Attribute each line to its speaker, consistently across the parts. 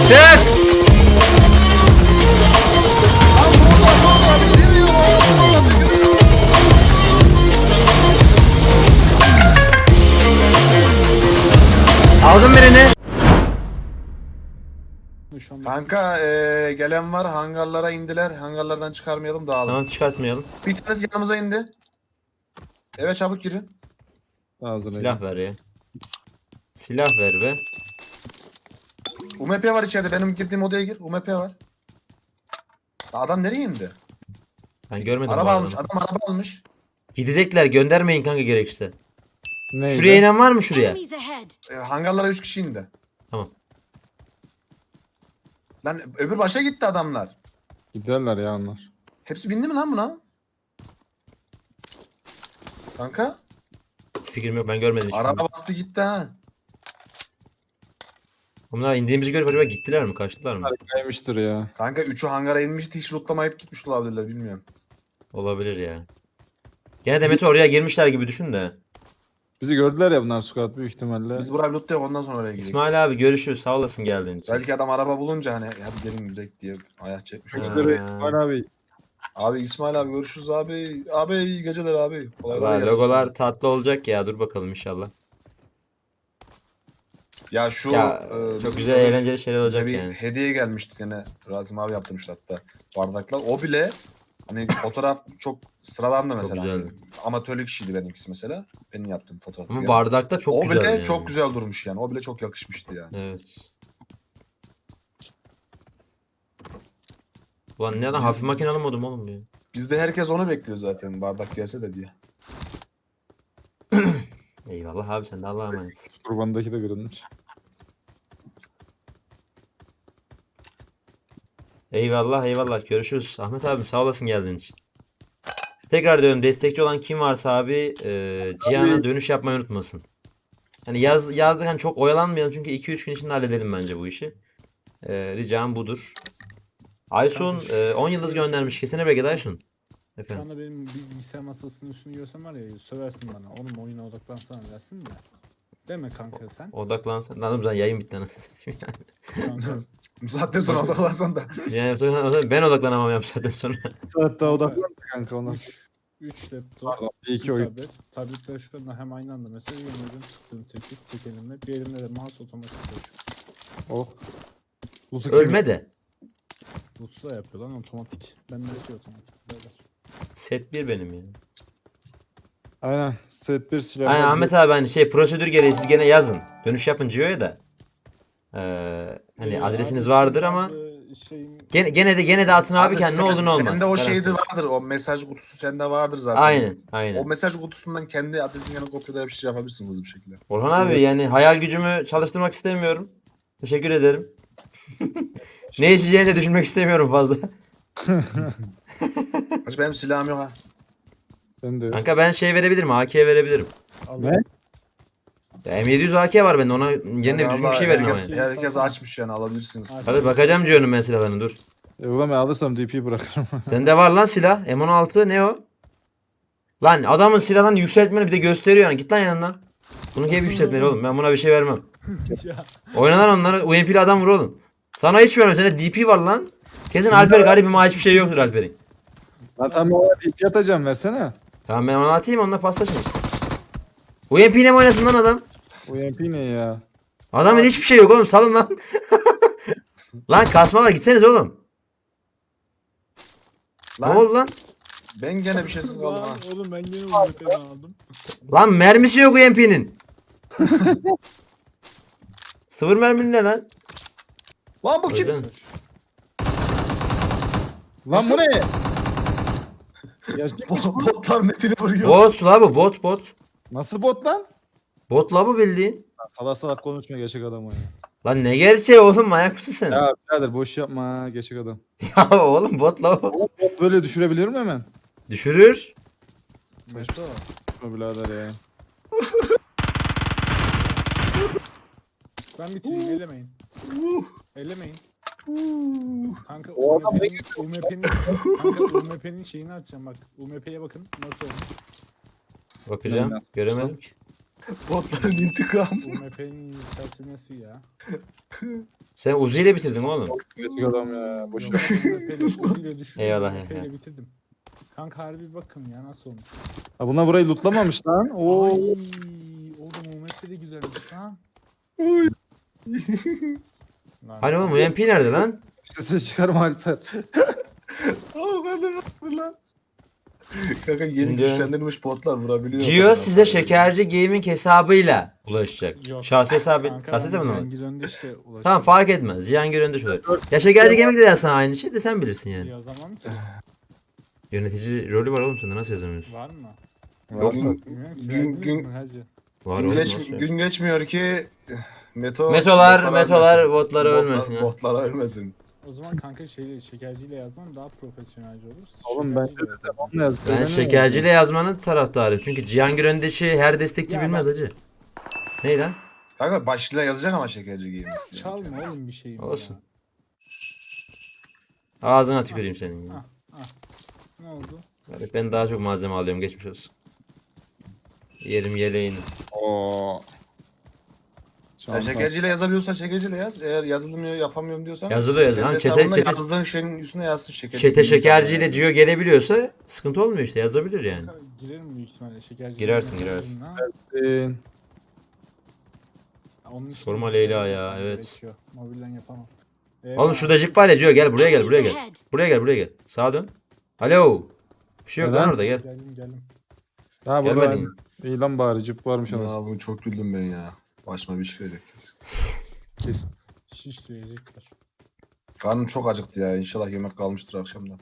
Speaker 1: Çık. Aldım birini.
Speaker 2: Şu anda
Speaker 3: Kanka gelen var, hangarlara indiler. Hangarlardan çıkarmayalım, dağılın.
Speaker 1: Tamam, çıkartmayalım.
Speaker 3: Bir tanesi yanımıza indi. Eve çabuk girin.
Speaker 1: Silah ver ya. Silah ver be.
Speaker 3: UMP var içeride. Benim girdiğim odaya gir. UMP var. Adam nereye indi?
Speaker 1: Ben görmedim.
Speaker 3: Araba
Speaker 1: bu
Speaker 3: almış.
Speaker 1: adamı.
Speaker 3: Adam araba almış.
Speaker 1: Gidecekler, göndermeyin kanka gerekirse.
Speaker 4: Neydi?
Speaker 1: Şuraya inen var mı şuraya?
Speaker 5: Enemies ahead.
Speaker 3: Hangarlara 3 kişi indi.
Speaker 1: Tamam.
Speaker 3: Lan öbür başa gitti adamlar.
Speaker 4: Giderler ya onlar.
Speaker 3: Hepsi bindi mi lan buna? Kanka
Speaker 1: Fikrim yok, ben görmedim hiç.
Speaker 3: araba bastı gitti ha.
Speaker 1: Bunlar indiğimizi görüp acaba gittiler mi? Kaçtılar mı?
Speaker 4: Kaymıştır ya.
Speaker 3: Kanka 3'ü hangara inmişti, hiç lootlamayıp gitmiş olabilirler, bilmiyorum.
Speaker 1: Olabilir ya. Gene Demet oraya girmişler gibi düşün de.
Speaker 4: Bizi gördüler ya bunlar squad büyük ihtimalle.
Speaker 3: Biz buraya lootlayalım, ondan sonra oraya gidelim.
Speaker 1: İsmail abi görüşürüz. Sağ olasın geldiğin için.
Speaker 3: Belki adam araba bulunca hani hadi gelin gidelim diye ayak çekmiş olabilir.
Speaker 4: Çocukları
Speaker 1: Ha.
Speaker 4: İsmail abi.
Speaker 3: Abi İsmail abi görüşürüz abi. Abi iyi geceler abi. Kolay
Speaker 1: Valla
Speaker 3: gelsin
Speaker 1: logolar
Speaker 3: sana.
Speaker 1: tatlı olacak ya. Dur bakalım inşallah.
Speaker 3: Ya şu
Speaker 1: Ya çok
Speaker 3: bizim
Speaker 1: güzel
Speaker 3: konuş-
Speaker 1: eğlenceli şeyler
Speaker 3: bize
Speaker 1: olacak
Speaker 3: bir
Speaker 1: yani.
Speaker 3: hediye gelmişti gene. Razım abi yaptırmıştı hatta bardaklar. O bile hani fotoğraf çok sıradandı mesela.
Speaker 1: güzeldi.
Speaker 3: Amatörlük işiydi benimkisi mesela. Benim yaptığım fotoğraf.
Speaker 1: Ama bardakta çok
Speaker 3: o
Speaker 1: güzel
Speaker 3: bile
Speaker 1: yani.
Speaker 3: çok güzel durmuş yani. O bile çok yakışmıştı yani.
Speaker 1: Evet. Ulan neden hafif makine alamadım oğlum ya.
Speaker 3: Bizde herkes onu bekliyor zaten, bardak gelse de diye.
Speaker 1: Eyvallah abi, sen de Allah'a emanetsin.
Speaker 4: Kurbandaki de kırılmış.
Speaker 1: Eyvallah eyvallah, görüşürüz. Ahmet abi sağ olasın geldiğin için. Tekrar diyorum, destekçi olan kim varsa abi Cihan'a dönüş yapmayı unutmasın. Hani yazdık, hani çok oyalanmayalım çünkü 2-3 gün içinde halledelim bence bu işi. Ricam budur. Aysun 10 yıldız göndermiş. Kesene bereket Aysun.
Speaker 2: şu
Speaker 1: Efendim.
Speaker 2: anda benim bilgisayar masasının üstünü görsem var ya söversin bana. Oğlum oyuna odaklansana dersin de. Deme kanka sen.
Speaker 1: Odaklansın. Lan oğlum sen yayın bitti anasını satayım yani.
Speaker 2: Kanka,
Speaker 3: Bu saatten sonra odaklansan da.
Speaker 1: Yani ben odaklanamam ya bu saatten sonra.
Speaker 4: Hatta odaklandı kanka ona.
Speaker 2: 3 laptop,
Speaker 4: Pardon, bir
Speaker 2: 2
Speaker 4: iki oyun.
Speaker 2: tablet. Tabletler şu anda hem aynı anda mesela yemedim sıktığım tek elimle. Bir elimle de mouse otomatik çalışıyor.
Speaker 4: Oh. Lutu kim?
Speaker 1: Ölme de.
Speaker 2: Bluetooth'la yapıyor lan otomatik. Ben de şey otomatik. Beyler.
Speaker 1: Set 1 benim ya.
Speaker 4: Aynen. Set 1 silah.
Speaker 1: Aynen Ahmet abi, hani şey prosedür gereği siz gene yazın. Dönüş yapın Cio'ya da. Hani adresiniz vardır ama gene de atın abi ki ne olur ne olmaz.
Speaker 3: Sende o
Speaker 1: Garanti
Speaker 3: şeydir
Speaker 1: olsun.
Speaker 3: vardır. O mesaj kutusu sende vardır zaten.
Speaker 1: Aynen
Speaker 3: O
Speaker 1: aynen.
Speaker 3: mesaj kutusundan kendi adresin yanına kopyala bir şey yapabilirsin hızlı bir şekilde.
Speaker 1: Orhan abi yani hayal gücümü çalıştırmak istemiyorum. Teşekkür ederim. Ne içeceğini de düşünmek istemiyorum fazla.
Speaker 3: Hacı benim silahım yok ha.
Speaker 4: Ben de.
Speaker 1: Kanka ben şey verebilirim, AK verebilirim.
Speaker 4: Ne?
Speaker 1: Ya M700 AK var bende, ona yerine düzgün bir şey verin ama.
Speaker 3: herkes,
Speaker 1: Yani.
Speaker 3: herkes açmış yani, alabilirsiniz.
Speaker 1: Hadi bakacağım Cio'nun ben silahlarını, dur.
Speaker 4: Ulan ben alırsam DP bırakırım.
Speaker 1: Sende var lan silah. M16 ne o? Lan adamın silahını yükseltmeni bir de gösteriyor yani. Git lan yanından. Bunu hep yükseltmeli oğlum. Ben buna bir şey vermem.
Speaker 2: Ya.
Speaker 1: Oynanan onları UMP'li adam vur oğlum. Sana hiç vermem. Sende DP var lan. Kesin Alper garibim, ama hiçbir şey yoktur Alper'in.
Speaker 4: Lan tamam ona DP atacağım versene.
Speaker 1: Tamam ben onu atayım, onunla paslaşın işte. UMP ile mi oynasın lan adam?
Speaker 4: UMP ne ya?
Speaker 1: Adamın hiçbir şey yok oğlum, salın lan. Lan kasma var, gitseniz oğlum. Ne
Speaker 3: Lan
Speaker 1: oldu lan?
Speaker 3: ben gene bir şeysiz kaldım ha.
Speaker 2: Lan oğlum ben gene UMP'ni aldım.
Speaker 1: Lan mermisi yok UMP'nin. Sıfır merminin ne lan?
Speaker 3: Lan bu
Speaker 1: O
Speaker 3: kim?
Speaker 1: yüzden-
Speaker 4: Lan bu ne? Ya,
Speaker 3: Botlar metini vuruyor.
Speaker 1: Bot la bu, bot.
Speaker 4: nasıl bot lan?
Speaker 1: Bot la bu bildiğin.
Speaker 4: Lan salak salak konuşma gerçek adam o ya.
Speaker 1: Lan ne gerçeği oğlum, manyak mısın sen?
Speaker 4: Ya birader boş yapma gerçek adam.
Speaker 1: Ya oğlum bot la bu.
Speaker 4: Oğlum bot böyle düşürebilir mi hemen?
Speaker 1: Düşürür.
Speaker 2: Meto.
Speaker 4: Yapma birader ya.
Speaker 2: Ben bitireyim elemeyin. Elemeyin. Kanka
Speaker 4: O adam
Speaker 2: UMP'nin şeyini açacağım bak. UMP'ye bakın nasıl olmuş.
Speaker 1: Bakacağım.
Speaker 4: Aynen.
Speaker 1: Göremedim ki.
Speaker 3: Botların intikamı.
Speaker 2: Bu MP'nin yükseltilmesi ya.
Speaker 1: Sen Uzi ile bitirdin oğlum.
Speaker 4: Gerçek adam ya. Boş
Speaker 2: Yok,
Speaker 4: ver.
Speaker 2: MP'yle düşürdüm.
Speaker 1: Eyvallah,
Speaker 2: MP'yle
Speaker 1: eyvallah.
Speaker 2: bitirdim. Kanka harbi bakın ya nasıl olmuş.
Speaker 4: Ha, bunlar burayı lootlamamış lan.
Speaker 2: Ay,
Speaker 4: Oo.
Speaker 2: oğlum o MP de güzelmiş lan.
Speaker 3: Oy.
Speaker 2: Lan,
Speaker 1: Hani oğlum UMP nerede lan?
Speaker 4: Sesini çıkarma Alper.
Speaker 3: Aa ben de baktım lan. Kanka yeni
Speaker 1: Şimdi-
Speaker 3: güçlendirilmiş botlar vurabiliyor.
Speaker 1: Gio size Şekerci Gaming hesabıyla ulaşacak.
Speaker 2: Yok.
Speaker 1: Şahsi hesabı.
Speaker 2: Kanka
Speaker 1: Şahsi hesabı
Speaker 2: ben
Speaker 1: mı?
Speaker 2: Cihangir Öndeş'le ulaştım.
Speaker 1: Tamam fark etmez. Cihangir önde şöyle. Ya Şekerci Gaming de yazsan aynı şey de sen bilirsin yani.
Speaker 2: Yazamam ki.
Speaker 1: Yönetici rolü var oğlum sende nasıl yazamıyorsun?
Speaker 2: Var mı?
Speaker 3: Yok,
Speaker 2: Bilmiyorum ki.
Speaker 3: Gün-
Speaker 2: Verdiniz
Speaker 3: gün-
Speaker 2: mi hacı?
Speaker 1: Var oğlum nasıl yok?
Speaker 3: gün geçmiyor ki Meto
Speaker 1: Metolar
Speaker 3: ölmesin.
Speaker 1: botları ölmesin ya.
Speaker 3: Botlar ölmesin.
Speaker 2: O zaman kanka şekerciyle yazman daha profesyonelce olur.
Speaker 4: Oğlum ben
Speaker 2: Şekerciyle yazalım.
Speaker 4: Onunla yaz.
Speaker 1: Ben Şekerciyle yazmanın taraftarıyım. Çünkü Cihangir Öndeş'i her destekçi
Speaker 2: Ya
Speaker 1: bilmez
Speaker 2: ben-
Speaker 1: hacı. Ne lan?
Speaker 3: Kanka başlığına yazacak ama şekerci giyim.
Speaker 2: Çalma oğlum bir şeyim
Speaker 1: Olsun.
Speaker 2: ya.
Speaker 1: Ağzına tüküreyim senin.
Speaker 2: Ah, ah. Ne oldu?
Speaker 1: Hadi ben daha çok malzeme alıyorum geçmiş olsun. Yerim yeleğini.
Speaker 4: Oo.
Speaker 3: Sen şekerciyle yazabiliyorsan şekerciyle yaz. Eğer yazılmıyor yapamıyorum diyorsan.
Speaker 1: Yazılıyor yazılıyor. Lan
Speaker 3: Kendi hesabında
Speaker 1: çete
Speaker 3: yazdığın şeyin üstüne yazsın şekerci.
Speaker 1: Çete
Speaker 3: giyim.
Speaker 1: Şekerciyle Gio gelebiliyorsa sıkıntı olmuyor işte yazabilir yani.
Speaker 2: Kanka, girerim büyük ihtimalle şekerci.
Speaker 1: Girersin, girersin.
Speaker 2: Onun için
Speaker 1: Sorma
Speaker 2: bir
Speaker 1: Leyla
Speaker 2: şey
Speaker 1: ya,
Speaker 2: yapmam
Speaker 1: evet.
Speaker 2: gerekiyor. Mobilden yapamam.
Speaker 1: Oğlum şurada jip var ya Gio gel buraya gel buraya
Speaker 5: Enemies
Speaker 1: gel.
Speaker 5: ahead.
Speaker 1: Buraya gel buraya gel. Sağa dön. Alo. Bir şey yok lan
Speaker 4: Neden?
Speaker 1: orada gel.
Speaker 2: Geldim.
Speaker 4: Ha burada.
Speaker 1: Gelmedin.
Speaker 4: İyi lan bari cip varmış
Speaker 3: Ya
Speaker 4: anasını.
Speaker 3: bunu çok güldüm ben ya. Başıma bir şey gelecek kesin.
Speaker 4: Kesin.
Speaker 2: Şiş verecekler.
Speaker 3: Karnım çok acıktı ya. İnşallah yemek kalmıştır akşamdan.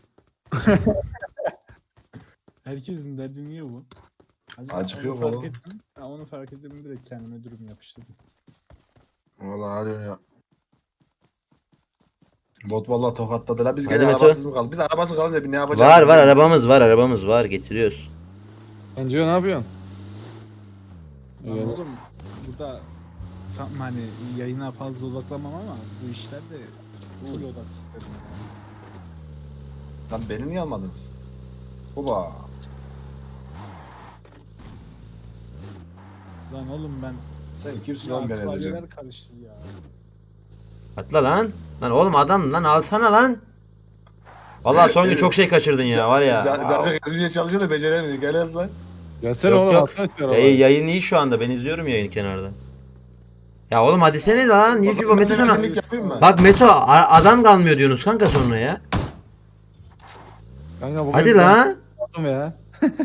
Speaker 2: Herkesin derdi niye bu? Hacı,
Speaker 3: Acık
Speaker 2: onu
Speaker 3: yok
Speaker 2: fark
Speaker 3: oğlum.
Speaker 2: ettim. Ha, onu fark ettim direkt kendime dürüm yapıştırdım.
Speaker 3: Vallahi hadi ya. Bot vallahi tokatladı la. Biz
Speaker 1: Hadi
Speaker 3: gene
Speaker 1: Meto.
Speaker 3: arabasız mı kaldık? Biz arabası kalınca bir ne yapacağız?
Speaker 1: Var arabamız var getiriyoruz.
Speaker 4: Bence ne yapıyorsun?
Speaker 2: Lan
Speaker 4: Evet.
Speaker 2: oğlum burada tam hani yayına fazla odaklanmam ama bu işlerde full odak isterim. Yani.
Speaker 3: Lan beni niye almadınız? Baba.
Speaker 2: Lan oğlum ben
Speaker 3: Sen kimsin
Speaker 2: ya
Speaker 3: lan ben edeceğim?
Speaker 2: klavyeler karıştı ya.
Speaker 1: Atla lan. Lan oğlum adam lan alsana lan. Vallahi son gün çok şey kaçırdın ya var ya.
Speaker 3: Cacık ezmeye çalışıyor da beceremiyor. Gel yaz lan.
Speaker 4: Gelsene
Speaker 1: Yok,
Speaker 4: oğlum
Speaker 1: yok.
Speaker 4: atsana şu arabayı.
Speaker 1: Yayın iyi şu anda ben izliyorum yayını kenarda. Ya oğlum hadi sene lan. Niye
Speaker 3: O zaman
Speaker 1: Meto
Speaker 3: ben
Speaker 1: sana.
Speaker 3: temizlik yapayım mı?
Speaker 1: Bak Meto adam kalmıyor diyorsunuz kanka sonra ya.
Speaker 4: Kanka, bugün
Speaker 1: Hadi
Speaker 4: ben
Speaker 1: lan.
Speaker 4: yaptım ya.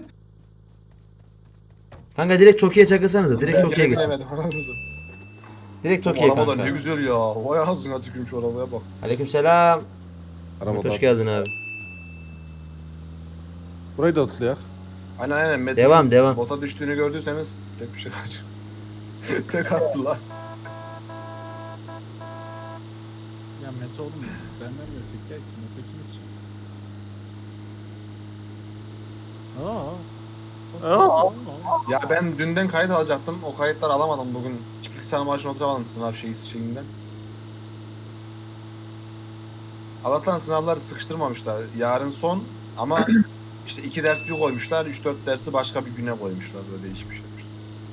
Speaker 1: Kanka direkt Toki'ye çakılsanıza. Direkt
Speaker 3: Ben
Speaker 1: Toki'ye geçin.
Speaker 3: gelemedim, anasını satayım.
Speaker 1: Direkt
Speaker 3: Bu
Speaker 1: Toki'ye
Speaker 3: araba da
Speaker 1: kanka.
Speaker 3: ne güzel ya. Vay ağzına tükürüm şu arabaya bak.
Speaker 1: Aleykümselam.
Speaker 4: Arabada.
Speaker 1: Hoş geldin abi.
Speaker 4: Burayı da atlayak.
Speaker 3: Aynen Metin.
Speaker 1: Devam.
Speaker 3: Bota düştüğünü gördüyseniz tek bir şey kaç. Tek attı lan.
Speaker 2: Ya Mete oğlum benden de fikir ki Mete kim için?
Speaker 3: Ya ben dünden kayıt alacaktım. O kayıtları alamadım bugün. Çiftlik sana maaşına oturamadım sınav şeyinden. Allah'tan sınavları sıkıştırmamışlar. Yarın son ama işte 2 ders bir koymuşlar. 3-4 dersi başka bir güne koymuşlar. Böyle değişik bir şey yapmışlar.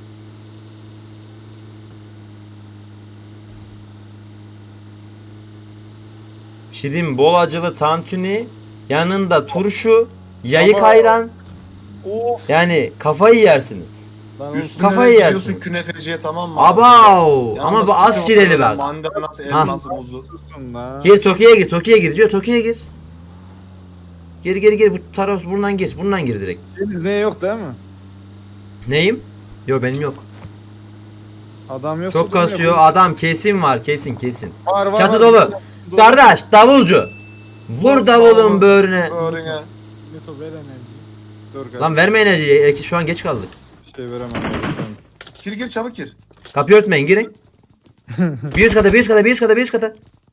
Speaker 1: Bir şey diyeyim mi? Bol acılı tantuni, yanında turşu, yayık
Speaker 3: Baba.
Speaker 1: ayran.
Speaker 4: Of.
Speaker 1: Yani kafayı yersiniz.
Speaker 4: Lan
Speaker 3: Üstüne
Speaker 1: Kafayı
Speaker 3: de gidiyorsun
Speaker 1: yersiniz.
Speaker 3: künefeciye tamam mı?
Speaker 1: Abav!
Speaker 3: Yanında
Speaker 1: Ama bu az
Speaker 3: sütü
Speaker 1: şireli
Speaker 3: var,
Speaker 1: bak.
Speaker 3: Mandalinası,
Speaker 1: Ha.
Speaker 3: elması, muzu.
Speaker 4: olsun lan.
Speaker 1: Gir Toki'ye gir Gir Toki'ye gir. Gir bu taraf buradan gir direkt.
Speaker 4: Deniz ne yok değil mi?
Speaker 1: Neyim? Yok benim yok.
Speaker 4: Adam yok.
Speaker 1: Çok kasıyor. Adam kesin var kesin.
Speaker 4: Var, var,
Speaker 1: Çatı
Speaker 4: var.
Speaker 1: dolu. Kardeş davulcu. Vur davulun böğrüne.
Speaker 3: Böğrüne.
Speaker 2: Meto ver enerjiyi.
Speaker 4: Dur kardeşim.
Speaker 1: Lan verme enerjiyi. Şu an geç kaldık.
Speaker 4: Bir şey veremem.
Speaker 3: Gir çabuk gir.
Speaker 1: Kapıyı örtmeyin girin. Bir üst kata.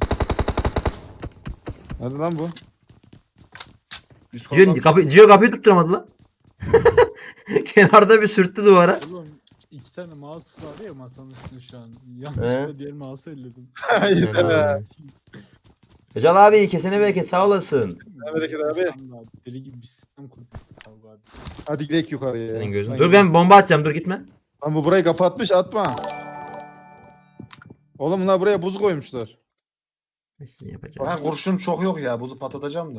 Speaker 4: Hadi lan bu.
Speaker 3: Üst koldan-
Speaker 1: Cio kapıyı tutturamadı lan. Kenarda bir sürttü duvara.
Speaker 2: Oğlum iki tane mouse var ya masanın üstünde şu an.
Speaker 1: He?
Speaker 2: Yanlışlıkla diğer mouse'u elledim.
Speaker 4: Hayır be.
Speaker 1: Cal abi kesene bereket sağ olasın.
Speaker 4: Ne bereket abi.
Speaker 2: Deli gibi bir sistem kurduk. Kavga abi.
Speaker 4: Hadi gidelim yukarıya.
Speaker 1: Senin
Speaker 4: ya.
Speaker 1: gözün.
Speaker 4: Ben
Speaker 1: Dur ben bomba atacağım dur gitme.
Speaker 4: Lan bu burayı kapatmış, atma. Oğlum bunlar buraya buz koymuşlar.
Speaker 1: Sizin yapacağınız.
Speaker 3: Ben kurşunum çok yok ya. Buzu patlatacağım da.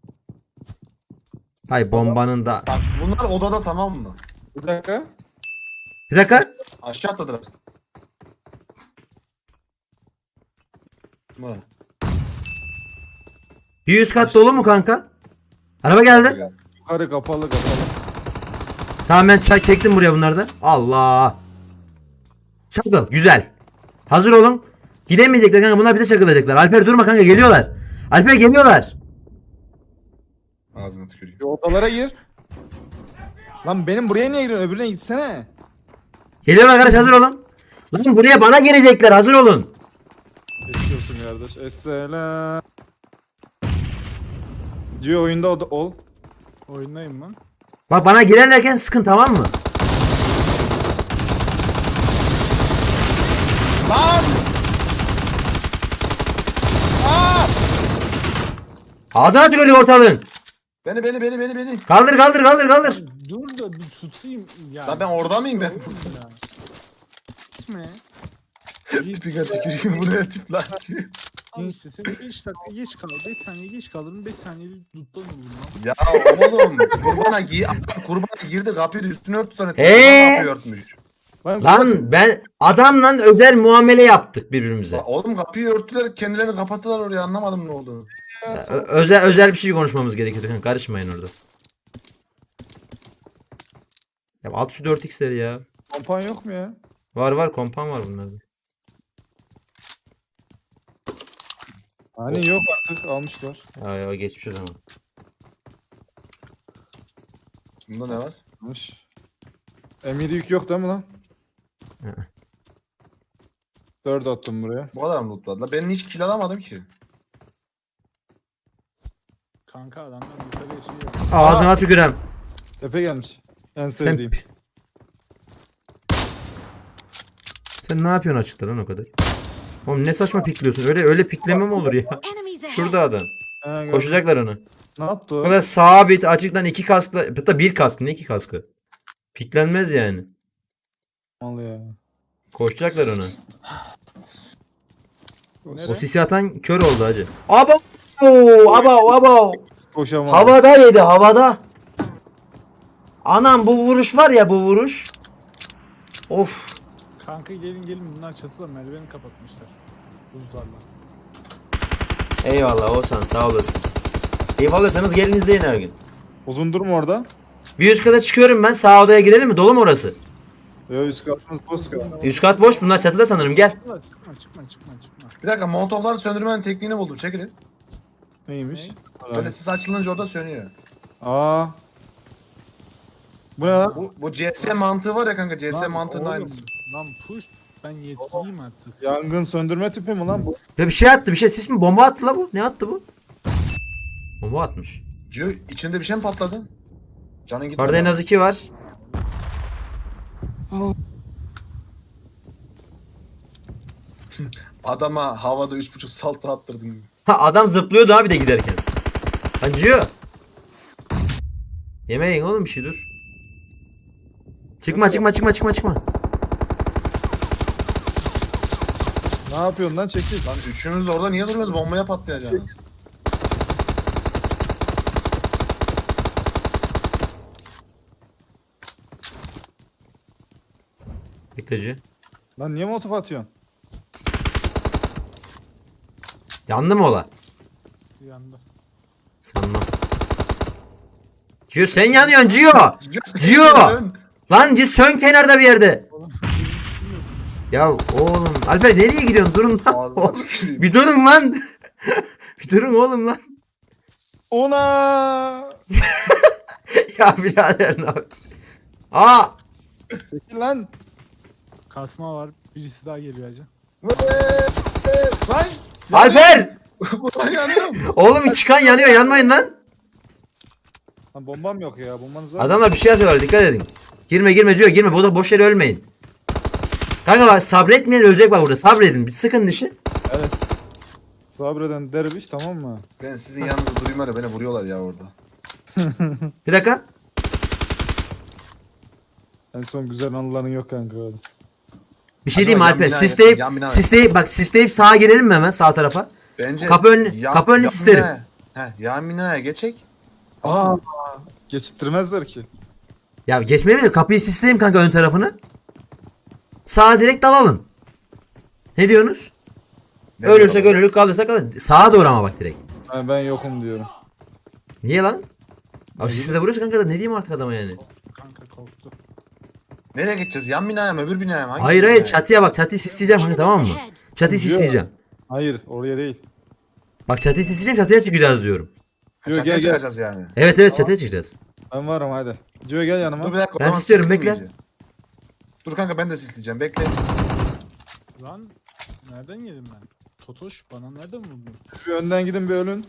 Speaker 1: Hay bombanın da.
Speaker 3: Bak bunlar odada, tamam mı?
Speaker 4: Bir dakika.
Speaker 1: Bir dakika.
Speaker 3: Aşağı atladılar. Mı?
Speaker 1: Bir üst kat dolu mu kanka? Araba geldi.
Speaker 4: Yukarı kapalı kapalı.
Speaker 1: Tamam ben çay çektim buraya bunlardan. Allah. Çakıl. Güzel. Hazır olun. Gidemeyecekler kanka. Bunlar bize çakılacaklar. Alper durma kanka. Geliyorlar. Alper geliyorlar.
Speaker 3: Ağzıma tüküreyim.
Speaker 4: Bir odalara gir. Lan benim buraya niye giriyorsun? Öbürüne gitsene.
Speaker 1: Geliyorlar arkadaş, hazır olun. Lan buraya bana gelecekler. Hazır olun.
Speaker 4: Geçiyorsun kardeş. Esselam. Diyor oyunda ol.
Speaker 2: Oyundayım lan.
Speaker 1: Bak bana girerlerken sıkın, tamam mı?
Speaker 3: Lan!
Speaker 1: Ağzına tükürüyor ortalığın.
Speaker 3: Beni.
Speaker 1: Kaldır kaldır kaldır kaldır.
Speaker 2: Dur da bir tutayım. Ya.
Speaker 3: Lan ben orada mıyım ben?
Speaker 2: Ya. Gitme.
Speaker 3: Tipine tüküreyim buraya tip lan.
Speaker 2: Al işte sen 5 dakika geç kal. 5 saniye geç kalırım. 5 saniye tuttan olur lan.
Speaker 3: Ya oğlum kurbana girdi, kapıyı da üstüne örtü sonra. Kapıyı örtmüş.
Speaker 1: Lan ben adamla özel muamele yaptık birbirimize.
Speaker 3: Oğlum kapıyı örttüler, kendilerini kapattılar oraya, anlamadım ne olduğunu.
Speaker 1: Özel bir şey konuşmamız gerekiyor kanka. Karışmayın orada. Ya at şu 4x'leri ya.
Speaker 4: Kompan yok mu ya?
Speaker 1: Var kompan var bunlarda.
Speaker 4: Hani yok artık, almışlar.
Speaker 1: Ya geçmiş o zaman.
Speaker 3: Bunda ne var?
Speaker 4: Almış. M7 yük yok değil mi lan?
Speaker 1: Hı.
Speaker 4: 4 attım buraya.
Speaker 3: Bu kadar mı lootladılar? Ben hiç kill alamadım ki.
Speaker 2: Kanka adamlar yukarıya şey yok.
Speaker 1: Ağzına tükürem.
Speaker 4: Tepe gelmiş. En
Speaker 1: Sen,
Speaker 4: sevdiğim.
Speaker 1: sen ne yapıyorsun açıkta lan o kadar? Oğlum ne saçma pikliyorsun. Öyle pikleme mi olur ya?
Speaker 5: Enemies ahead.
Speaker 1: Şurada adam.
Speaker 4: He, gördüm.
Speaker 1: Koşacaklar onu.
Speaker 4: Ne yaptı
Speaker 1: O
Speaker 4: o?
Speaker 1: kadar sabit açıktan 2 kaskla, hatta 1 kask, ne 2 kaskı? Piklenmez yani.
Speaker 4: Mal ya.
Speaker 1: Koşacaklar ona.
Speaker 2: Nereye?
Speaker 1: O sisi atan kör oldu hacı. Abo! Abo!
Speaker 4: Koşamam.
Speaker 1: Havada yedi, havada. Anam bu vuruş var ya, bu vuruş. Of.
Speaker 2: Kanka gelin bunlar çatıda merdiveni kapatmışlar. Buzlarla.
Speaker 1: Eyvallah Oğuzhan, sağ olasın. Eyvallahsanız gelin izleyin her gün.
Speaker 4: Uzun durma orada.
Speaker 1: Bir üst kata çıkıyorum ben, sağ odaya girelim mi? Dolu mu orası?
Speaker 4: Yo, üst katımız boş kaldı.
Speaker 1: Üst kat boş, bunlar çatıda sanırım, gel.
Speaker 2: Çıkma.
Speaker 3: Bir dakika, molotofları söndürmenin tekniğini buldum, çekilin.
Speaker 4: Neymiş?
Speaker 3: Böyle sis açılınca orada sönüyor.
Speaker 4: Aa. Bu ne lan?
Speaker 3: Bu CS mantığı var ya kanka, CS
Speaker 2: Lan
Speaker 3: mantığının
Speaker 2: oğlum,
Speaker 3: aynısı.
Speaker 2: Lan push. Ben yetkiliyim artık.
Speaker 4: Yangın söndürme tüpü mü lan bu?
Speaker 1: Ya bir şey attı, bir şey, sis mi? Bomba attı la bu. Ne attı bu? Bomba atmış.
Speaker 3: Cio, içinde bir şey mi patladı? Canın gitmedi.
Speaker 1: Orada en az 2 var.
Speaker 3: Adama havada 3.5 salto attırdım.
Speaker 1: Ha adam zıplıyordu abi de giderken. Acıyor. Yemeyin oğlum bir şey, dur. Çıkma.
Speaker 4: Ne yapıyorsun lan, çekil.
Speaker 3: Lan üçünüz de orada niye duruyorsunuz? Bombaya patlayacaksınız.
Speaker 1: Bekleci.
Speaker 4: Lan niye molotof atıyorsun?
Speaker 1: Yandı mı ola?
Speaker 2: Yandı.
Speaker 1: Sanmam. Cio sen yanıyorsun Cio. Cio. Lan Cio sön kenarda bir yerde. Ya oğlum Alper nereye gidiyorsun? Durun lan.
Speaker 3: Ağzına tüküreyim.
Speaker 1: Bir durun lan. Bir durun oğlum lan.
Speaker 4: Ona!
Speaker 1: Ya birader ne yap- Aa!
Speaker 4: Çekil lan.
Speaker 2: Kasma var. Birisi daha geliyor hacı.
Speaker 3: Lan!
Speaker 1: Alper!
Speaker 3: Buradan yanıyorum.
Speaker 1: Oğlum çıkan yanıyor, yanmayın lan.
Speaker 4: Lan bombam yok ya, bombanız var mı?
Speaker 1: Adamlar bir şey yazıyorlar, dikkat edin. Girme Cio, girme. Bu da boş yere ölmeyin. Kanka bak, sabretmeyen ölecek bak burada. Sabredin. Bir sıkın dişi.
Speaker 4: Evet. Sabreden derviş, tamam mı?
Speaker 3: Ben sizin yanınızda durayım var ya, beni vuruyorlar ya orada.
Speaker 1: Bir dakika.
Speaker 4: En son güzel anıların yok kanka.
Speaker 1: Bir şey
Speaker 3: Acaba
Speaker 1: diyeyim mi
Speaker 3: yan
Speaker 1: Alper?
Speaker 3: bina
Speaker 1: Sisleyip,
Speaker 3: yan bina-
Speaker 1: sisleyip sağa girelim mi hemen sağ tarafa?
Speaker 3: Bence
Speaker 1: Kapı önünü sisterim.
Speaker 3: Yan binaya geçek.
Speaker 4: Aa, geçittirmezler ki.
Speaker 1: Ya geçmeye mi? Kapıyı sisleyeyim kanka ön tarafını. Sağa direkt dalalım. Ne diyorsunuz? Ölürsek ölürük, kalırsak kalır. Sağa doğru ama bak direkt.
Speaker 4: Ben yokum diyorum.
Speaker 1: Niye lan? Abi sisle de vuruyorsa kanka da ne diyeyim artık adama yani.
Speaker 2: Kanka korktu.
Speaker 3: Nereye gideceğiz? Yan binaya mı öbür binaya mı? Hangi
Speaker 1: Hayır
Speaker 3: binaya?
Speaker 1: hayır çatıya bak, çatıyı sisleyeceğim kanka, tamam mı? Çatıyı
Speaker 4: Diyor.
Speaker 1: sisleyeceğim.
Speaker 4: Hayır oraya değil.
Speaker 1: Bak çatıyı sisleyeceğim, çatıya çıkacağız diyorum.
Speaker 3: Ha,
Speaker 4: Diyor,
Speaker 3: çatıya
Speaker 4: gel, gel.
Speaker 3: çıkacağız yani.
Speaker 1: Evet evet çatıya çıkacağız.
Speaker 4: Ben varım hadi. Cio gel yanıma.
Speaker 3: Dur bir dakika. o
Speaker 1: Ben
Speaker 3: zaman
Speaker 1: sistiyorum,
Speaker 3: sisleyeyim
Speaker 1: bekle.
Speaker 3: iyice. Dur kanka ben de sisleyeceğim. Bekle.
Speaker 2: Lan nereden yedim ben? Totoş bana nereden vurdun?
Speaker 4: Bir önden gidin bir ölün.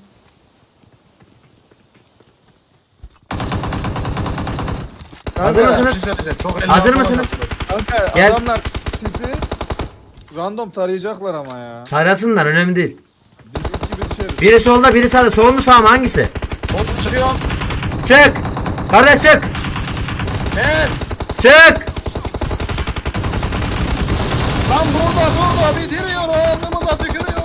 Speaker 1: Hazır
Speaker 3: Kanka,
Speaker 1: mısınız?
Speaker 3: bir şey söyleyeceğim. Çok elli
Speaker 1: Hazır
Speaker 3: altı
Speaker 1: mısınız?
Speaker 3: olacaksınız.
Speaker 4: Kanka
Speaker 1: Gel.
Speaker 4: adamlar sizi random tarayacaklar ama ya.
Speaker 1: Tarasınlar, önemli değil.
Speaker 4: Biz iki bir düşeriz.
Speaker 1: Biri solda biri sağda. Sol mu sağ mı, hangisi?
Speaker 3: Hop çıkıyorum.
Speaker 1: Çık! Kardeş çık!
Speaker 3: Evet.
Speaker 1: Çık!
Speaker 3: Lan burada bitiriyor. Ağzımıza tükürüyor.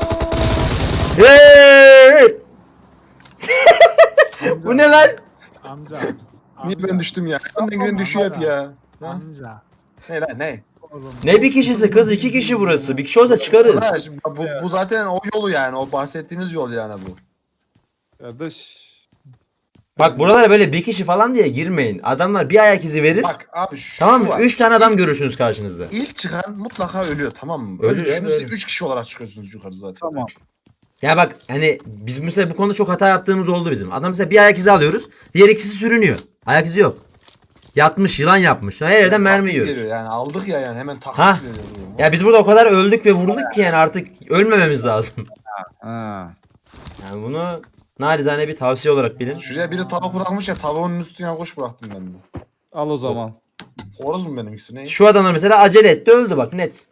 Speaker 1: Hey! Bu ne lan?
Speaker 2: Amca.
Speaker 3: Niye ben düştüm ya? Önden giden düşüyor hep ya. Ha?
Speaker 2: Amca.
Speaker 3: Ne lan ne?
Speaker 2: Oğlum.
Speaker 1: Ne bir kişisi kız, iki kişi burası. Bir kişi olsa çıkarız.
Speaker 3: Ha, şimdi bu zaten o yolu yani. O bahsettiğiniz yol yani bu.
Speaker 4: Kardeş.
Speaker 1: Bak buralara böyle bir kişi falan diye girmeyin. Adamlar bir ayak izi verir.
Speaker 3: Bak abi şu
Speaker 1: Tamam mı?
Speaker 3: var.
Speaker 1: 3 tane adam görürsünüz karşınızda.
Speaker 3: İlk çıkan mutlaka ölüyor, tamam mı?
Speaker 1: Ölüyor,
Speaker 3: Ölüyor.
Speaker 1: ölüyor.
Speaker 3: 3 kişi olarak çıkıyorsunuz yukarı zaten.
Speaker 4: Tamam.
Speaker 1: Ya bak hani biz mesela bu konuda çok hata yaptığımız oldu bizim. Adam mesela bir ayak izi alıyoruz. Diğer ikisi sürünüyor. Ayak izi yok. Yatmış, yılan yapmış. Her yerden mermi
Speaker 3: Taktik
Speaker 1: yiyoruz.
Speaker 3: geliyor yani aldık ya yani hemen taktik
Speaker 1: Ha.
Speaker 3: geliyor.
Speaker 1: Ya biz burada o kadar öldük ve vurduk ki yani artık ölmememiz lazım.
Speaker 4: Ha.
Speaker 1: Yani bunu narizane bir tavsiye olarak bilin.
Speaker 3: Şuraya biri tavuk bırakmış ya, tavuğun üstüne kuş bıraktım ben de.
Speaker 4: Al o zaman.
Speaker 3: Horoz mu benim ikisi ne?
Speaker 1: Şu adamlar mesela acele etti, öldü bak net.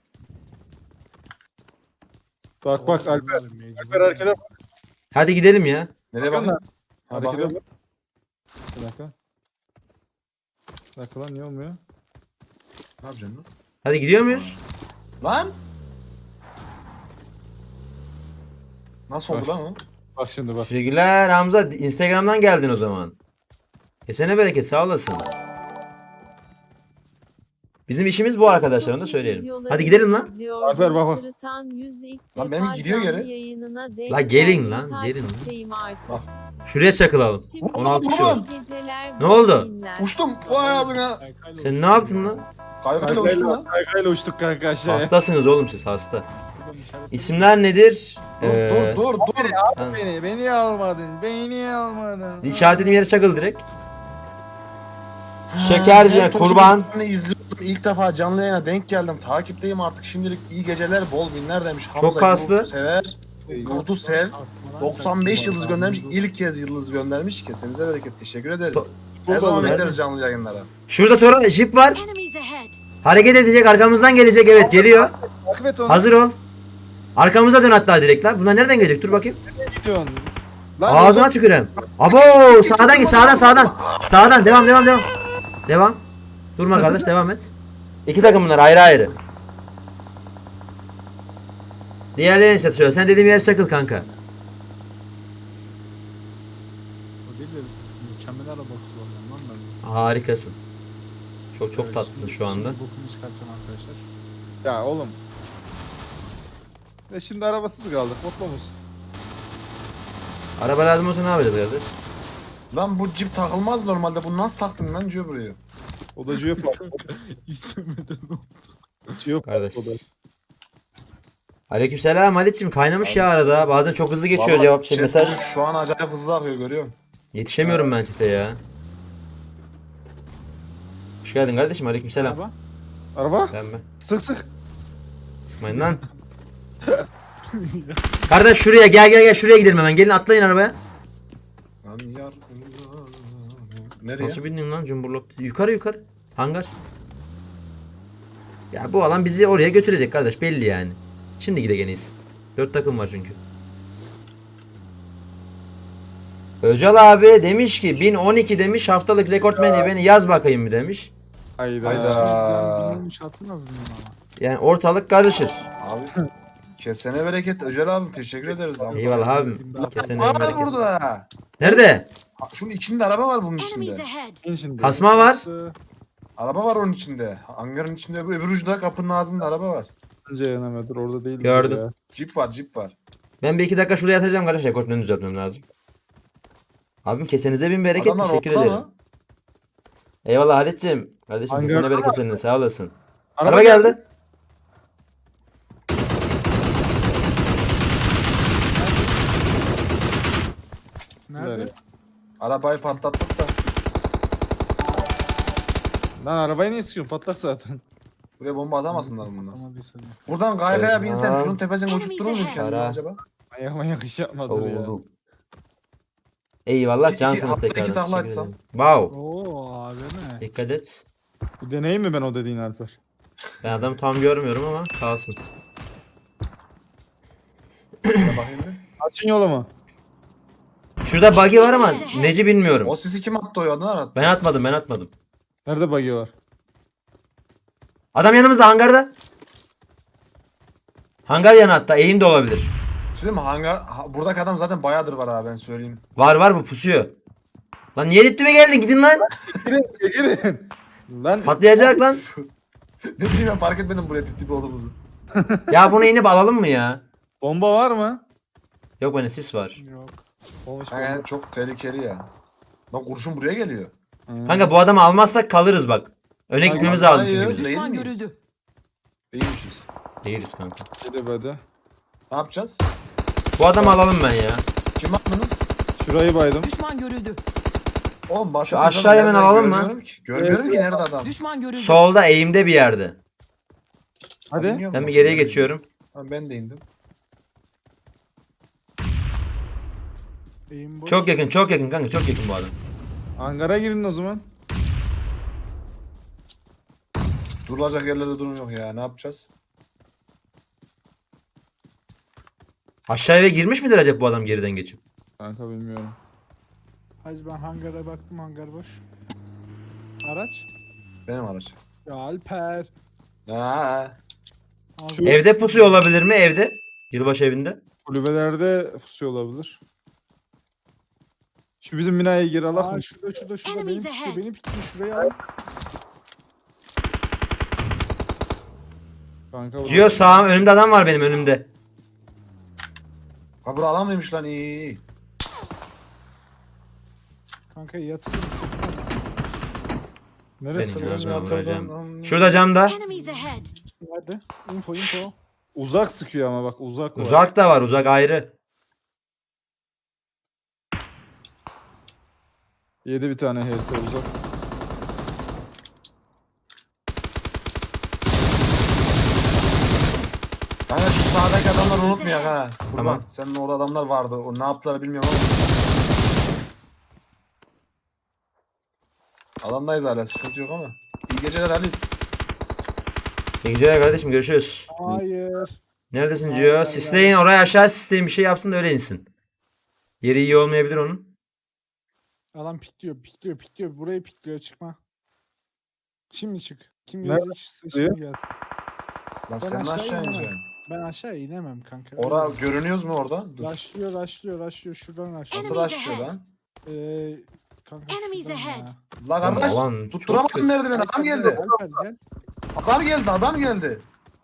Speaker 4: Bak bak Alper.
Speaker 2: Mecbur.
Speaker 4: Alper harekete bak.
Speaker 1: Hadi gidelim ya.
Speaker 3: Nereye
Speaker 4: Bakın
Speaker 3: bakayım? Ha,
Speaker 4: Harekete
Speaker 3: bakıyorum.
Speaker 4: bak. Bir dakika. Bir dakika lan niye olmuyor?
Speaker 3: Ne yapacaksın lan?
Speaker 1: Hadi gidiyor muyuz?
Speaker 3: Lan! Nasıl oldu
Speaker 4: Bak.
Speaker 3: lan o?
Speaker 4: Bak şimdi bak.
Speaker 1: Teşekkürler Hamza. Instagram'dan geldin o zaman. Kesene bereket, sağ olasın. Bizim işimiz bu arkadaşlar, onu da söyleyelim. Hadi gidelim lan.
Speaker 4: Alper bak bak.
Speaker 3: Lan benim gidiyor geri.
Speaker 1: La gelin lan, gelin lan. Şuraya çakılalım. 16 kişi var. Ne oldu?
Speaker 3: Uçtum. Vay ağzına.
Speaker 2: Kaykayla
Speaker 1: Sen ne yaptın lan?
Speaker 3: Kaykayla uçtum lan.
Speaker 4: Kaykayla uçtuk kanka aşağıya.
Speaker 1: Hastasınız oğlum siz, hasta.
Speaker 2: uçtum, işaret-
Speaker 1: İsimler nedir?
Speaker 3: Dur.
Speaker 1: Ben-
Speaker 4: Beni almadın. Beni almadın.
Speaker 1: İşaretlediğim yere çakıl direkt. Şekerci,
Speaker 3: Ben
Speaker 1: kurban.
Speaker 3: Tokyo'yu izliyordum. İlk defa canlı yayına denk geldim. Takipteyim artık. Şimdilik iyi geceler, bol binler demiş.
Speaker 1: Çok kaslı.
Speaker 3: Yurdu sever. Yurdu sev. 95 yıldız göndermiş. İlk kez yıldız göndermiş. Kesenize bereket. Teşekkür ederiz. Her zaman
Speaker 1: Nerede?
Speaker 3: bekleriz canlı yayınlara.
Speaker 1: Şurada Toron jip var.
Speaker 5: Enemies ahead.
Speaker 1: Hareket edecek, arkamızdan gelecek, evet geliyor.
Speaker 4: Takip et onu.
Speaker 1: Hazır ol. Arkamıza dön hatta direkt lan. Bunlar nereden gelecek? Dur bakayım.
Speaker 4: gidiyorsun. Lan
Speaker 1: Ağzına tükürem. Abo, sağdan git, sağdan. Sağdan devam. Devam. Durma kardeş, devam et. İki takım bunlar ayrı ayrı. Diğerlerini işte söyle. Sen dediğim yere çakıl kanka.
Speaker 2: O değil de mükemmel araba kullanıyorum lan ben.
Speaker 1: Harikasın. Çok
Speaker 2: Evet,
Speaker 1: tatlısın
Speaker 2: şimdi-
Speaker 1: şu anda.
Speaker 2: şimdi bokunu çıkartacağım arkadaşlar.
Speaker 4: Ya oğlum. Şimdi arabasız kaldık. Mutlu musun?
Speaker 1: Araba lazım olsa ne yapacağız kardeş?
Speaker 3: Lan bu cip takılmaz normalde. Bunu nasıl taktın lan Cio buraya?
Speaker 4: O da Gio fark.
Speaker 2: İstemeden oldu.
Speaker 4: Gio
Speaker 1: Kardeş.
Speaker 4: O da.
Speaker 1: Aleykümselam Halit'ciğim, kaynamış ya arada. Bazen çok hızlı geçiyor
Speaker 3: Vallahi
Speaker 1: cevap
Speaker 3: chat
Speaker 1: mesaj.
Speaker 3: şu an acayip hızlı akıyor, görüyorum.
Speaker 1: Yetişemiyorum ben çete ya. Hoş geldin kardeşim, aleykümselam.
Speaker 2: Araba.
Speaker 4: Araba?
Speaker 1: Ben mi?
Speaker 4: Sık sık.
Speaker 1: Sıkmayın lan. Kardeş şuraya gel şuraya gidelim hemen. Gelin atlayın arabaya.
Speaker 3: Lan yar. Nereye?
Speaker 1: Nasıl bindin lan cumburlop? Yukarı. Hangar. Ya bu alan bizi oraya götürecek kardeş, belli yani. Şimdi gidegeneyiz. 4 takım var çünkü. Öcal abi demiş ki 1012 demiş, haftalık rekortmeni beni yaz bakayım mı demiş.
Speaker 4: Hayda.
Speaker 3: Hayda.
Speaker 2: Bilmemiş atmaz mıyım ama?
Speaker 1: Yani ortalık karışır.
Speaker 3: Abi kesene bereket Öcal abi teşekkür ederiz abi.
Speaker 1: Eyvallah abim. Kesene
Speaker 3: Var
Speaker 1: bereket.
Speaker 3: burada.
Speaker 1: Nerede?
Speaker 3: Ha, şunun içinde araba var bunun
Speaker 5: Enemies
Speaker 3: içinde.
Speaker 5: ahead.
Speaker 4: İn şimdi.
Speaker 1: Kasma var.
Speaker 3: Araba var onun içinde. Hangarın içinde öbür ucunda kapının ağzında araba var.
Speaker 4: Önce yanamadır orada değil.
Speaker 1: Gördüm.
Speaker 4: Ya.
Speaker 3: Jeep var jeep var.
Speaker 1: Ben bir iki dakika şuraya yatacağım kardeşler. Koşmanı düzeltmem lazım. Abim kesenize bin bereket.
Speaker 3: Adamlar
Speaker 1: Teşekkür
Speaker 3: ortada
Speaker 1: ederim.
Speaker 3: mı?
Speaker 1: Eyvallah Halit'ciğim. Kardeşim
Speaker 4: Hangi
Speaker 1: kesene
Speaker 4: araba
Speaker 1: bereket seninle sağ olasın.
Speaker 4: Araba
Speaker 1: Araba geldi.
Speaker 2: Nerede?
Speaker 4: Güzel.
Speaker 3: Arabayı patlattık da.
Speaker 4: Lan arabayı niye sıkıyorsun? Patlak zaten.
Speaker 3: Buraya bomba atamasınlar bunlar.
Speaker 2: Atamadıysa diye.
Speaker 3: Buradan kaykaya binsem
Speaker 1: Tamam.
Speaker 3: şunun tepesine uçup durur muyum kendime
Speaker 1: Ara.
Speaker 3: acaba?
Speaker 4: Manyak iş yapmadır ya.
Speaker 1: Oldu. Eyvallah
Speaker 3: İki-
Speaker 1: cansınız
Speaker 3: hafta iki
Speaker 1: tekrardan.
Speaker 3: takla
Speaker 1: Teşekkür
Speaker 3: atsam.
Speaker 1: ederim. Wow.
Speaker 2: Oo AVM.
Speaker 1: Dikkat et.
Speaker 4: Bir deneyeyim mi ben o dediğin Alper?
Speaker 1: Ben adamı tam görmüyorum ama kalsın.
Speaker 3: Şuna bakayım bir.
Speaker 4: Açın yolumu.
Speaker 1: Şurada buggy var ama neci bilmiyorum.
Speaker 3: O sisi kim attı o yandan attı?
Speaker 1: Ben atmadım.
Speaker 4: Nerede buggy var?
Speaker 1: Adam yanımızda hangarda. Hangar yanı hatta eğim de olabilir.
Speaker 3: Söyleyeyim mi buradaki adam zaten bayağıdır var abi ben söyleyeyim.
Speaker 1: Var bu pusuyor. Lan niye diptime geldin gidin lan.
Speaker 4: Girin. Lan
Speaker 1: Patlayacak lan.
Speaker 3: Ne bileyim ben fark etmedim buraya tip olduğumuzu.
Speaker 1: Ya bunu inip alalım mı ya?
Speaker 4: bomba var mı?
Speaker 1: Yok bende sis var.
Speaker 2: Yok.
Speaker 4: Olmuş
Speaker 3: Yani çok tehlikeli ya. Lan kurşun buraya geliyor.
Speaker 1: Kanka bu adamı almazsak kalırız bak. Öne gitmemiz lazım çünkü
Speaker 3: Hayır,
Speaker 1: bizim.
Speaker 3: değil
Speaker 5: Düşman
Speaker 3: miyiz?
Speaker 5: görüldü.
Speaker 3: Değilmişiz.
Speaker 1: Değiliz kanka.
Speaker 4: Hadi hadi.
Speaker 3: Ne yapacağız?
Speaker 1: Bu adamı alalım ben ya.
Speaker 3: Kim attınız?
Speaker 4: Şurayı baydım.
Speaker 5: Düşman görüldü.
Speaker 3: Oğlum
Speaker 1: Şu aşağıya hemen alalım mı?
Speaker 3: Görmüyorum ki nerede adam.
Speaker 5: Düşman görüldü.
Speaker 1: Solda eğimde bir yerde.
Speaker 4: Hadi.
Speaker 3: Bilmiyorum
Speaker 1: Ben
Speaker 3: bak.
Speaker 1: bir geriye geçiyorum.
Speaker 3: Tamam ben de indim.
Speaker 2: Eğim boş.
Speaker 1: Çok yakın kanka çok yakın bu adam.
Speaker 4: Hangara girin o zaman.
Speaker 3: Durulacak yerlerde durum yok ya. Ne yapacağız?
Speaker 1: Aşağı eve girmiş midir acaba bu adam geriden geçip?
Speaker 4: Kanka bilmiyorum.
Speaker 2: Hacı ben hangara baktım, hangar boş. Araç?
Speaker 3: Benim araç.
Speaker 2: Ya Alper.
Speaker 3: Ha.
Speaker 2: Ağzı-
Speaker 1: Evde pusuyor olabilir mi evde? Yılbaşı evinde.
Speaker 4: Kulübelerde pusuyor olabilir. Şu bizim binaya gir Allah
Speaker 2: Aa
Speaker 4: mı?
Speaker 2: şurada
Speaker 5: Enemies
Speaker 2: benim pikliyor,
Speaker 5: ahead.
Speaker 2: benim pikliyor, şurayı al.
Speaker 4: Kanka burada-
Speaker 1: Gio sağım önümde adam var benim önümde.
Speaker 3: Ha bura alan mıymış lan iyi.
Speaker 2: Kanka yatırım.
Speaker 4: Neresi?
Speaker 1: Senin
Speaker 3: Ben
Speaker 1: ağzına
Speaker 3: yatırdım.
Speaker 1: vuracağım. Şurada camda.
Speaker 5: Enemies ahead.
Speaker 2: Hadi. Info.
Speaker 4: Uzak sıkıyor ama bak uzak var.
Speaker 1: Uzak da var uzak ayrı.
Speaker 4: Yedi bir tane HS uzak.
Speaker 3: Kanka şu sağdaki adamları unutmayak ha.
Speaker 1: Tamam.
Speaker 3: Tamam. Senin orada adamlar vardı. O ne yaptılar bilmiyorum ama. Alandayız hala sıkıntı yok ama. İyi geceler Halit.
Speaker 1: İyi geceler kardeşim görüşürüz.
Speaker 2: Hayır.
Speaker 1: Neredesin
Speaker 2: Vay
Speaker 1: Gio?
Speaker 2: vay
Speaker 1: Sisleyin oraya aşağı sisleyin bir şey yapsın da öyle insin. Yeri iyi olmayabilir onun.
Speaker 2: Adam pikliyor. Burayı pikliyor, çıkma. Şimdi çık. Kim
Speaker 4: Nerede
Speaker 2: gelecek? Şimdi gelsin.
Speaker 3: Lan
Speaker 2: Ben
Speaker 3: sen
Speaker 2: aşağı
Speaker 3: aşağı
Speaker 2: inemem.
Speaker 3: ineceksin.
Speaker 2: Ben aşağı inemem kanka.
Speaker 3: Ora görünüyoruz mu orada? Dur.
Speaker 2: Raşlıyor. Şuradan aşağı.
Speaker 3: Nasıl
Speaker 5: Enemies
Speaker 3: aşıyor
Speaker 5: ahead.
Speaker 3: lan?
Speaker 2: Kanka
Speaker 5: Enemies
Speaker 2: şuradan ya.
Speaker 5: ahead.
Speaker 3: La kardeş
Speaker 1: Aman, çok
Speaker 3: tutturamadım
Speaker 1: kötü.
Speaker 3: merdiveni adam geldi.
Speaker 2: Alper gel.
Speaker 3: Adam geldi.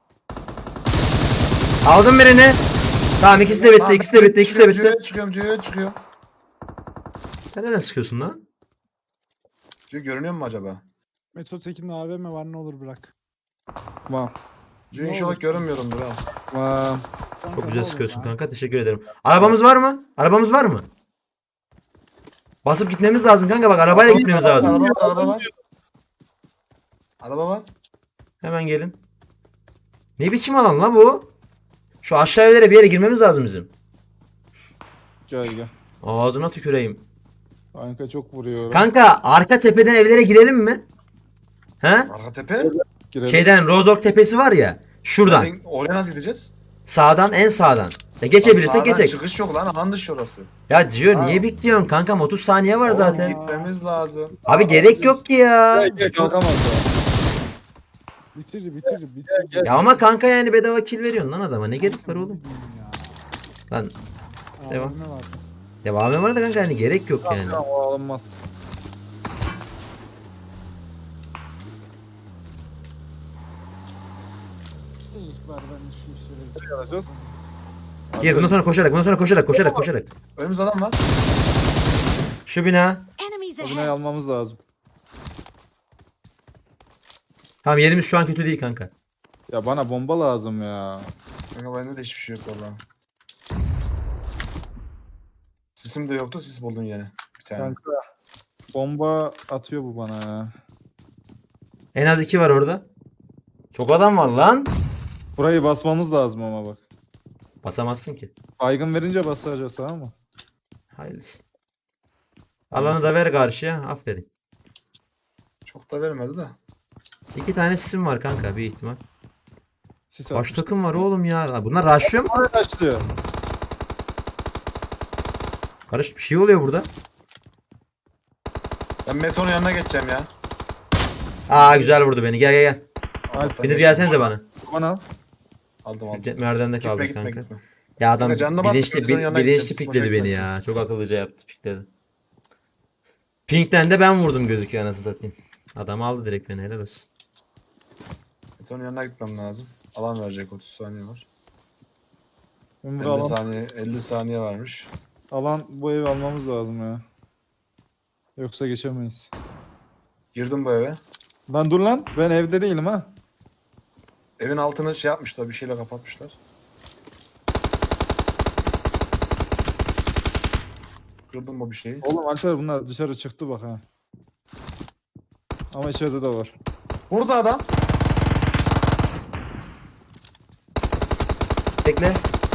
Speaker 1: Aldım birini. Tamam ikisi de bitti ikisi de bitti.
Speaker 3: Çıkıyorum.
Speaker 1: Sen neden sıkıyorsun lan?
Speaker 3: Görünüyor mu acaba?
Speaker 2: Metro Tekin'de AVM var, ne olur bırak.
Speaker 4: Tamam.
Speaker 3: Cüce
Speaker 2: Ne
Speaker 3: inşallah
Speaker 2: olur?
Speaker 3: görünmüyorumdur ha.
Speaker 4: Tamam.
Speaker 2: Kanka,
Speaker 1: Çok
Speaker 2: ne
Speaker 1: güzel
Speaker 2: olur
Speaker 1: sıkıyorsun
Speaker 2: ya.
Speaker 1: kanka teşekkür ederim. Arabamız var mı? Arabamız var mı? Basıp gitmemiz lazım kanka bak arabayla gitmemiz lazım.
Speaker 3: Araba var.
Speaker 1: Hemen gelin. Ne biçim alan la bu? Şu aşağı evlere bir yere girmemiz lazım bizim.
Speaker 4: Gel.
Speaker 1: Ağzına tüküreyim.
Speaker 4: Kanka çok vuruyor.
Speaker 1: Kanka arka tepeden evlere girelim mi? He?
Speaker 3: Arka tepe.
Speaker 4: Girelim.
Speaker 1: Şeyden Rozok tepesi var ya. Şuradan.
Speaker 3: Oraya nasıl gideceğiz?
Speaker 1: Sağdan en sağdan. Ya geçebilirsek
Speaker 3: Sağdan
Speaker 1: geçek.
Speaker 3: Çıkış yok lan alan dışı orası.
Speaker 1: Ya diyor
Speaker 3: Ha.
Speaker 1: niye bekliyorsun kankam 30 saniye var
Speaker 3: Oğlum,
Speaker 1: zaten.
Speaker 3: Gitmemiz lazım.
Speaker 1: Abi gerek yok ki ya.
Speaker 4: Gel kalkamaz da.
Speaker 2: Bitir.
Speaker 1: Ya ama kanka yani bedava kill veriyorsun lan adama. Ne gerek var oğlum?
Speaker 2: Ya.
Speaker 1: Lan Devam.
Speaker 2: Ne var?
Speaker 1: devamı var da kanka hani gerek yok yani.
Speaker 4: Tamam o alınmaz.
Speaker 2: İlk var ben şu işleri.
Speaker 4: Alacağız.
Speaker 1: Gir bundan sonra koşarak.
Speaker 3: Önümüzde adam var.
Speaker 1: Şu bina.
Speaker 5: Enemies
Speaker 4: O binayı
Speaker 5: ahead.
Speaker 4: almamız lazım.
Speaker 1: Tamam yerimiz şu an kötü değil kanka.
Speaker 4: Ya bana bomba lazım ya.
Speaker 3: Kanka bende de hiçbir şey yok valla. Sisim de yoktu, sis buldum yine. Bir tane.
Speaker 4: Kanka bomba atıyor bu bana ya.
Speaker 1: En az 2 var orada. Çok adam var lan.
Speaker 4: Burayı basmamız lazım ama bak.
Speaker 1: Basamazsın ki.
Speaker 4: Baygın verince basacağız tamam mı?
Speaker 1: Hayırlısı. Alanı da ver karşıya. Aferin.
Speaker 3: Çok da vermedi de.
Speaker 1: 2 tane sisim var kanka bir ihtimal.
Speaker 4: Sis
Speaker 1: Kaç
Speaker 4: atmış.
Speaker 1: takım var oğlum ya? Bunlar rushlıyor mu?
Speaker 4: Oraya başlıyor.
Speaker 1: Karış bir şey oluyor burada.
Speaker 3: Ben Meton'un yanına geçeceğim ya.
Speaker 1: Aa güzel vurdu beni. Gel.
Speaker 4: Alp,
Speaker 1: Biriniz gelsenize bana.
Speaker 4: Bana.
Speaker 3: Aldım.
Speaker 1: Merdivende
Speaker 3: Gitme
Speaker 1: kaldık
Speaker 3: gitme
Speaker 1: kanka.
Speaker 3: gitme.
Speaker 1: Ya adam
Speaker 3: Kanka canını basma,
Speaker 1: bilinçli,
Speaker 3: Meton'un yanına
Speaker 1: bilinçli
Speaker 3: gideceğiz.
Speaker 1: pikledi
Speaker 3: Boşa
Speaker 1: beni
Speaker 3: gitme.
Speaker 1: ya. Çok akıllıca yaptı pikledi. Pink'ten de ben vurdum gözüküyor anasını satayım. Adam aldı direkt beni helal olsun.
Speaker 3: Meton'un yanına gitmem lazım. Alan verecek 30 saniye var.
Speaker 4: Ben
Speaker 3: 50
Speaker 4: alan,
Speaker 3: saniye 50 saniye varmış.
Speaker 4: alan bu evi almamız lazım ya. Yoksa geçemeyiz.
Speaker 3: Girdim bu eve.
Speaker 4: Lan dur lan ben evde değilim ha.
Speaker 3: Evin altını şey yapmışlar, bir şeyle kapatmışlar. Kırdım mı bir şeyi?
Speaker 4: Oğlum Alper bunlar dışarı çıktı bak ha. Ama içeride de var.
Speaker 3: Burada adam.
Speaker 1: Bekle.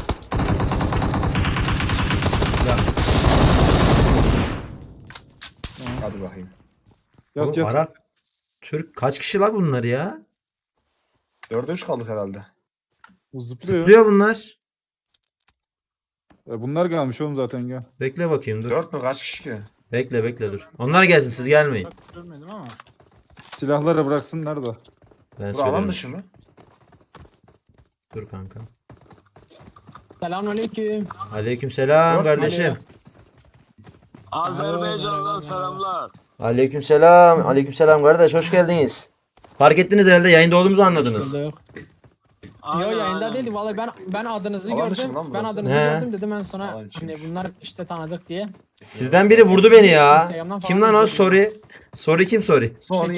Speaker 3: Hadi bakayım.
Speaker 4: Yat
Speaker 1: Oğlum,
Speaker 4: yat.
Speaker 1: Arap, Türk kaç kişi la bunlar ya?
Speaker 3: 4'e 3 kaldık herhalde.
Speaker 4: Bu zıplıyor.
Speaker 1: Zıplıyor bunlar.
Speaker 4: Bunlar gelmiş oğlum zaten gel.
Speaker 1: Bekle bakayım dur.
Speaker 3: 4 mü? Kaç kişi ki?
Speaker 1: Bekle dur. Onlar gelsin siz gelmeyin.
Speaker 2: Bak görmedim ama.
Speaker 4: Silahları bıraksınlar da.
Speaker 1: Ben
Speaker 3: Bura alan
Speaker 1: söylerim.
Speaker 3: dışı mı?
Speaker 1: Dur kanka.
Speaker 6: Selamünaleyküm.
Speaker 1: Aleykümselam
Speaker 3: Dört
Speaker 1: kardeşim.
Speaker 6: Azerbaycan'dan selamlar.
Speaker 1: Aleykümselam kardeş hoş geldiniz. Fark ettiniz herhalde yayında olduğumuzu anladınız.
Speaker 6: Yok. Yo yayında değildi vallahi ben adınızı
Speaker 3: Alan dışı
Speaker 6: gördüm.
Speaker 3: mı lan
Speaker 6: Ben
Speaker 3: burası?
Speaker 6: adınızı
Speaker 1: He.
Speaker 6: gördüm dedim en sonra
Speaker 3: Alan içiymiş.
Speaker 6: hani bunlar işte tanıdık diye.
Speaker 1: Sizden biri vurdu beni ya.
Speaker 6: Instagram'dan
Speaker 1: Kim
Speaker 6: falan
Speaker 1: lan o?
Speaker 6: izledim.
Speaker 1: Sorry kim sorry?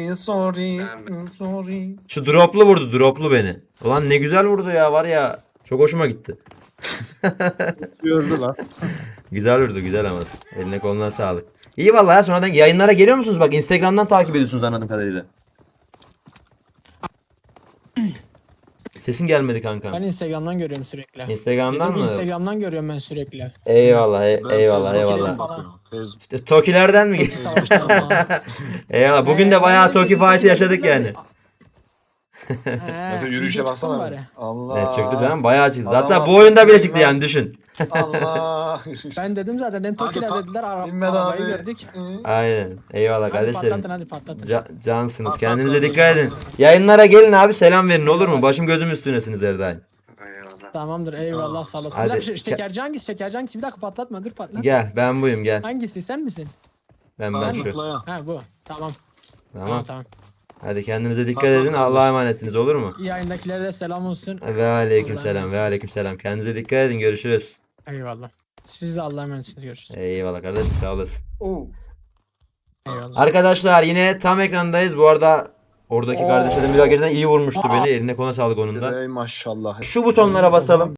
Speaker 3: Sorry.
Speaker 1: Şu droplu vurdu droplu beni. Ulan ne güzel vurdu ya var ya. Çok hoşuma gitti.
Speaker 4: Gördü lan.
Speaker 1: Güzel vurdu güzel ama. Eline koluna sağlık. İyi vallahi ya sonradan yayınlara geliyor musunuz? Bak Instagram'dan takip ediyorsunuz anladığım kadarıyla. Sesin gelmedi kanka.
Speaker 6: Ben Instagram'dan görüyorum sürekli.
Speaker 1: Instagram'dan
Speaker 6: Dedim,
Speaker 1: mı?
Speaker 6: Instagram'dan görüyorum ben sürekli.
Speaker 1: Eyvallah eyvallah. Tokilerden mi? Eyvallah. Bugün de bayağı Toki fight'ı yaşadık yani.
Speaker 3: Mete yürüyüşe baksana. Allah.
Speaker 1: Evet çıktı canım bayağı çıktı.
Speaker 3: Adam
Speaker 1: Hatta bu
Speaker 3: aslında
Speaker 1: oyunda bile
Speaker 3: bilmem.
Speaker 1: çıktı yani düşün.
Speaker 3: Allah.
Speaker 6: Ben dedim zaten ben Toki'ler dediler
Speaker 3: Bilmem
Speaker 6: arabayı
Speaker 3: abi.
Speaker 6: gördük.
Speaker 1: Aynen. Eyvallah
Speaker 6: Hadi
Speaker 1: kardeşlerim.
Speaker 6: patlatın hadi patlatın.
Speaker 1: Cansınız. Kendinize dikkat edin. Yayınlara gelin abi selam verin olur mu? Başım gözüm üstünesiniz her daim.
Speaker 6: Tamamdır eyvallah sağ olasın.
Speaker 1: Hadi.
Speaker 6: Bir dakika, şekerci hangisi? Şekerci hangisi? Bir dakika patlatma dur patlat.
Speaker 1: Gel ben buyum gel.
Speaker 6: Hangisi sen misin?
Speaker 1: Ben şu.
Speaker 6: Ha bu. Tamam.
Speaker 1: Tamam. Hadi kendinize dikkat edin. Allah'a emanetsiniz olur mu?
Speaker 6: Yayındakilere de selam olsun.
Speaker 1: Ve aleykümselam. Kendinize dikkat edin. Görüşürüz.
Speaker 6: Eyvallah. Siz de Allah'a emanetsiniz görüşürüz.
Speaker 1: Eyvallah kardeşim sağ olasın.
Speaker 3: Oo.
Speaker 6: Eyvallah.
Speaker 1: Arkadaşlar yine tam ekrandayız. Bu arada oradaki kardeşlerim bir gerçekten iyi vurmuştu beni. Eline koluna sağlık onun da.
Speaker 3: Ey maşallah.
Speaker 1: Şu butonlara basalım.